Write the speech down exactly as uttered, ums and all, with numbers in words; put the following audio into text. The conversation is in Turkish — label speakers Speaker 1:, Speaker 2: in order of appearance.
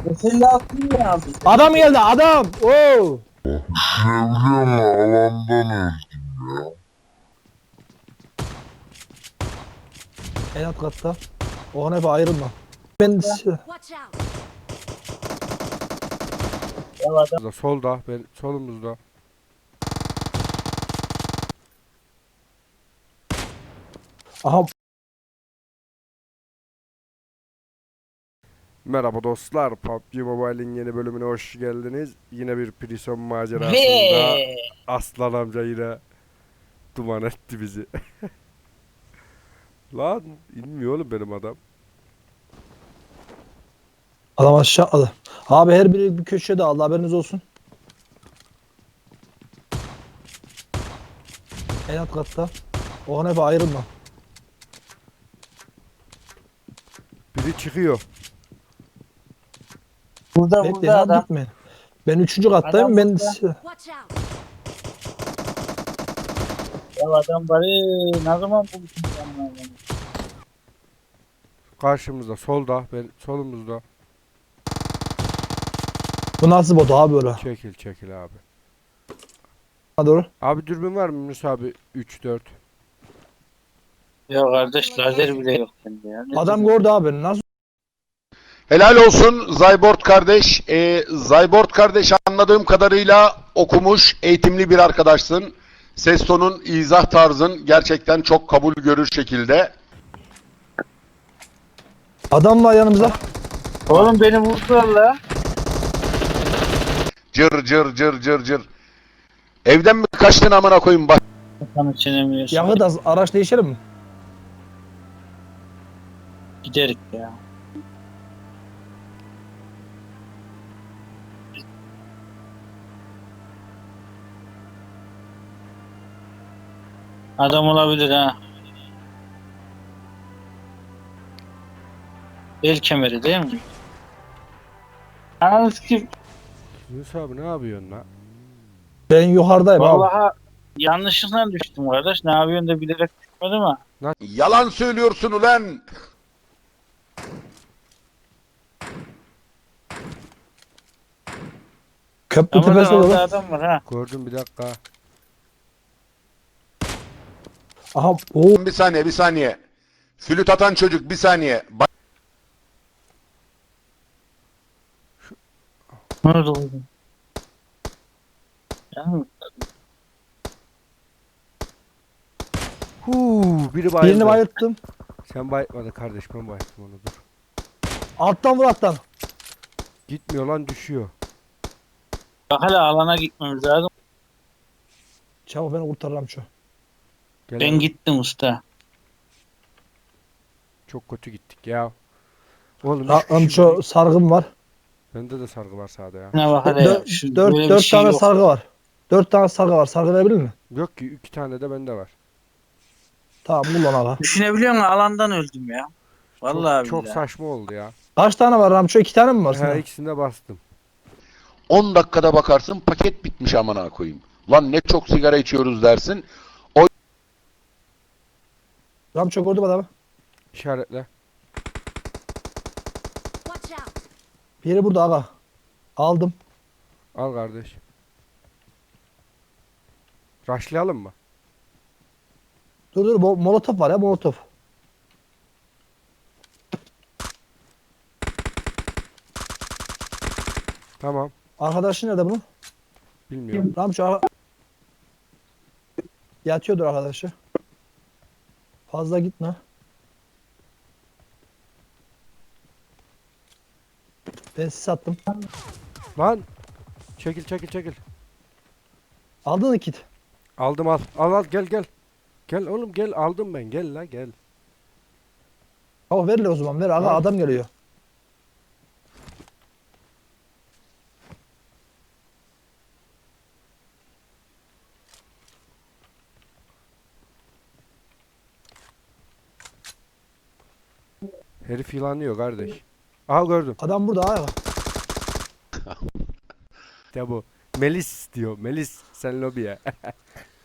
Speaker 1: Sen lazım ya abi.
Speaker 2: Adam geldi adam. Oo.
Speaker 3: Çevremi alandan öldüm ya.
Speaker 2: En alt katta. O hep ayrılma. Ben
Speaker 4: Watch out!
Speaker 1: Ya adam
Speaker 5: Solda, solda, ben solumuzda.
Speaker 2: aha
Speaker 5: Merhaba dostlar, P U B G Mobile'in yeni bölümüne hoş geldiniz. Yine bir prison macerasında
Speaker 1: ve
Speaker 5: Aslan amca yine duman etti bizi. Lan inmiyor oğlum benim adam.
Speaker 2: adam aşağı atladı. Abi her biri bir köşede aldı, haberiniz olsun. En alt katta. O hep ayrılma.
Speaker 5: Biri çıkıyor.
Speaker 1: burada
Speaker 2: Bekleyin
Speaker 1: burada
Speaker 2: abi,
Speaker 1: adam.
Speaker 2: gitmeyin. Ben üçüncü kattayım.
Speaker 1: Adam
Speaker 2: Ben
Speaker 1: burada.
Speaker 4: Watch out!
Speaker 1: Ya adam bari ne zaman buluşun sen?
Speaker 5: Karşımızda, solda, ben solumuzda.
Speaker 2: bu nasıl bot abi öyle?
Speaker 5: Çekil çekil abi.
Speaker 2: Ha doğru.
Speaker 5: Abi dürbün var mı Yunus abi? üç dört.
Speaker 1: Ya kardeş lazer bile yok sende ya. Ne
Speaker 2: Adam
Speaker 1: diyorsun?
Speaker 2: gördü abi. Nasıl?
Speaker 3: Helal olsun Zaybort kardeş. Ee, Zaybort kardeş anladığım kadarıyla okumuş, eğitimli bir arkadaşsın. Ses tonun, izah tarzın gerçekten çok kabul görür şekilde.
Speaker 2: Adam var yanımızda.
Speaker 1: Oğlum beni vurdular la.
Speaker 3: Cır cır cır cır cır. Evden mi kaçtın amına koyayım bak.
Speaker 1: Kafanı çenemiyorsun.
Speaker 2: Yakıt az. Araç değişelim mi?
Speaker 1: Giderik ya. Adam olabilir ha. El kemeri değil mi? Ananı sikeyim.
Speaker 5: Yunus abi ne yapıyorsun lan?
Speaker 2: Ben yukarıdayım abi.
Speaker 1: Vallahi yanlışlıkla düştüm kardeş. Ne yapıyorsun da bilerek düşmedim ama.
Speaker 3: Yalan söylüyorsun ulan.
Speaker 2: Köprü
Speaker 1: Ama
Speaker 2: tepesi
Speaker 1: da orada
Speaker 2: olur.
Speaker 1: adam var ha.
Speaker 5: Gördüm bir dakika.
Speaker 2: Aha. Oo.
Speaker 3: Bir saniye bir saniye. Flüt atan çocuk bir saniye. Bak,
Speaker 1: Ne oldu oğlum? Yani
Speaker 5: Huu, biri bayıldı.
Speaker 2: Birini bayılttım.
Speaker 5: Sen bayıltmadın kardeş, ben bayılttım onu, dur.
Speaker 2: Alttan vur alttan.
Speaker 5: Gitmiyor lan, düşüyor.
Speaker 1: bak hala alana gitmemiz lazım.
Speaker 2: Çabuk beni kurtarırım şu.
Speaker 5: Gel
Speaker 1: Ben
Speaker 5: abi.
Speaker 1: gittim usta.
Speaker 5: Çok kötü gittik ya. Oğlum üç
Speaker 2: Rahatlam
Speaker 5: kişi
Speaker 2: şu
Speaker 5: vurdu.
Speaker 2: sargım var.
Speaker 5: Bende de sargı var sağda ya.
Speaker 1: Ne bak hala ya.
Speaker 2: Dört,
Speaker 1: Şu,
Speaker 2: dört,
Speaker 1: böyle bir
Speaker 2: dört
Speaker 1: şey
Speaker 2: tane
Speaker 1: yok.
Speaker 2: sargı var. Dört tane sargı var. Sargı verebilir mi?
Speaker 5: Yok ki, iki tane de bende var.
Speaker 2: Tamam kullan aga.
Speaker 1: Düşünebiliyor musun? Alandan öldüm ya. Vallahi
Speaker 5: çok, çok
Speaker 1: billahi.
Speaker 5: saçma oldu ya.
Speaker 2: Kaç tane var Ramço? İki tane mi var
Speaker 5: He,
Speaker 2: sana?
Speaker 5: ikisine bastım.
Speaker 3: on dakikada bakarsın paket bitmiş amına koyayım. Lan ne çok sigara içiyoruz dersin.
Speaker 2: Ramço gördüm adamı.
Speaker 5: İşaretle.
Speaker 4: Watch out!
Speaker 2: Biri burada aga. Aldım.
Speaker 5: Al kardeş. Raşlayalım mı?
Speaker 2: Dur dur. Mo- Molotof var ya, molotof.
Speaker 5: Tamam.
Speaker 2: Arkadaşın nerede bunun?
Speaker 5: Bilmiyorum.
Speaker 2: Ramço aga. Yatıyordur arkadaşı. Fazla gitme. Ben sizi sattım.
Speaker 5: Lan. Çekil çekil çekil.
Speaker 2: Aldın mı kit?
Speaker 5: Aldım, al. Al al, gel gel. Gel oğlum, gel, aldım ben, gel la gel.
Speaker 2: Tamam ver le o zaman, ver aga,
Speaker 5: Al.
Speaker 2: adam geliyor.
Speaker 5: Herif yılanıyor kardeş. Aha gördüm.
Speaker 2: Adam burada aga.
Speaker 5: İşte bu. Melis diyor. Melis sen lobiye.